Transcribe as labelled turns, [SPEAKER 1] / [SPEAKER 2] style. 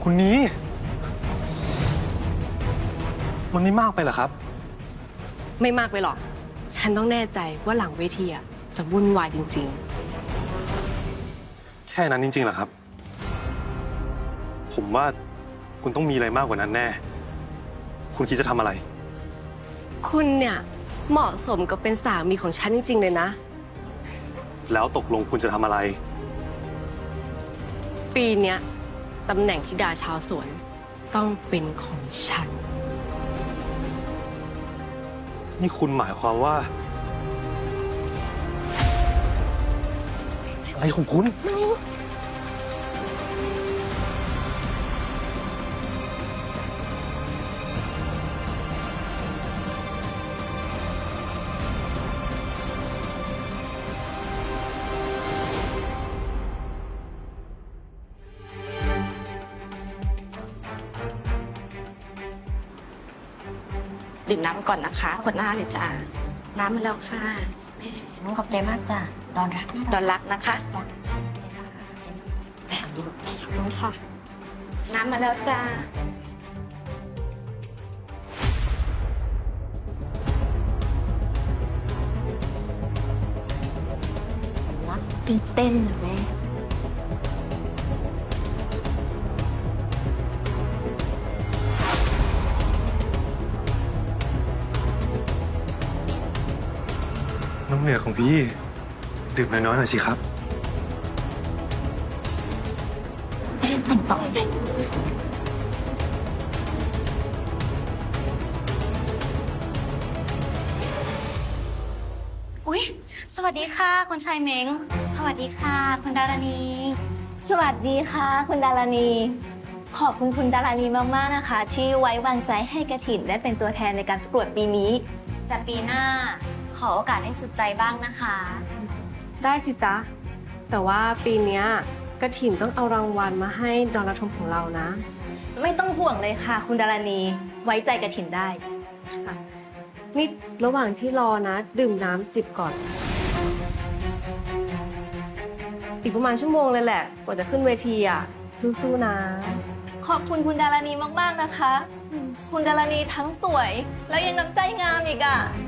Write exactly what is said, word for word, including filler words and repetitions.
[SPEAKER 1] คุณนี้มันไม่มากไปเหรอครับ
[SPEAKER 2] ไม่มากไปหรอกฉันต้องแน่ใจว่าหลังเวทีอะจะวุ่นวายจริง
[SPEAKER 1] แค่นั้นจริงๆเหรอครับผมว่าคุณต้องมีอะไรมากกว่านั้นแน่คุณคิดจะทำอะไร
[SPEAKER 2] ๆคุณเนี่ยเหมาะสมกับเป็นสามีของฉันจริงๆเลยนะ
[SPEAKER 1] แล้วตกลงคุณจะทำอะไร
[SPEAKER 2] ปีเนี้ยตำแหน่งธิดาชาวสวนต้องเป็นของฉัน
[SPEAKER 1] นี่คุณหมายความว่าอะไรของคุณ
[SPEAKER 3] ดื่มน้ำก่อนนะคะขวดหน้าเลยจ้าน้ำมาแล้วค่ะแม่
[SPEAKER 4] ขอบใจมากจ้ะดอนรักนะ
[SPEAKER 3] ดอนรักนะคะ
[SPEAKER 4] จ้ะ
[SPEAKER 3] ขอบคุณค่ะน้ำมาแล้วจ้า
[SPEAKER 4] รักตื่นเต้นนะแม่
[SPEAKER 1] น้ำเหนือของพี่ดื่มน้อยๆหน่อยสิครับ
[SPEAKER 4] แต่งต่อเลย
[SPEAKER 5] อุ๊ยสวัสดีค่ะคุณชายเม้งสวัสดีค่ะคุณดารณี
[SPEAKER 6] สวัสดีค่ะคุณดารณี ขอบคุณคุณดารณีมากๆนะคะ ที่ไว้วางใจให้กระถินได้เป็นตัวแทนในการประกวดปีนี้
[SPEAKER 5] แต่ปีหน้าขอโอกาสให้สุดใจบ้างนะคะ
[SPEAKER 2] ได้สิจ๊ะแต่ว่าปีเนี้ยกระถิ่นต้องเอารางวัลมาให้ดอนรัฐมของเรานะ
[SPEAKER 6] ไม่ต้องห่วงเลยค่ะ คุณดารณี ไว้ใจกระถินได้
[SPEAKER 2] นี่ระหว่างที่รอนะ ดื่มน้ำจิบก่อน อีกประมาณชั่วโมงเลยแหละกว่าจะขึ้นเวทีอ่ะสู้ๆนะ
[SPEAKER 6] ขอบคุณคุณดารณีมากๆนะคะ คุณดารณีทั้งสวย แล้วยังน้ำใจงามอีกอ่ะ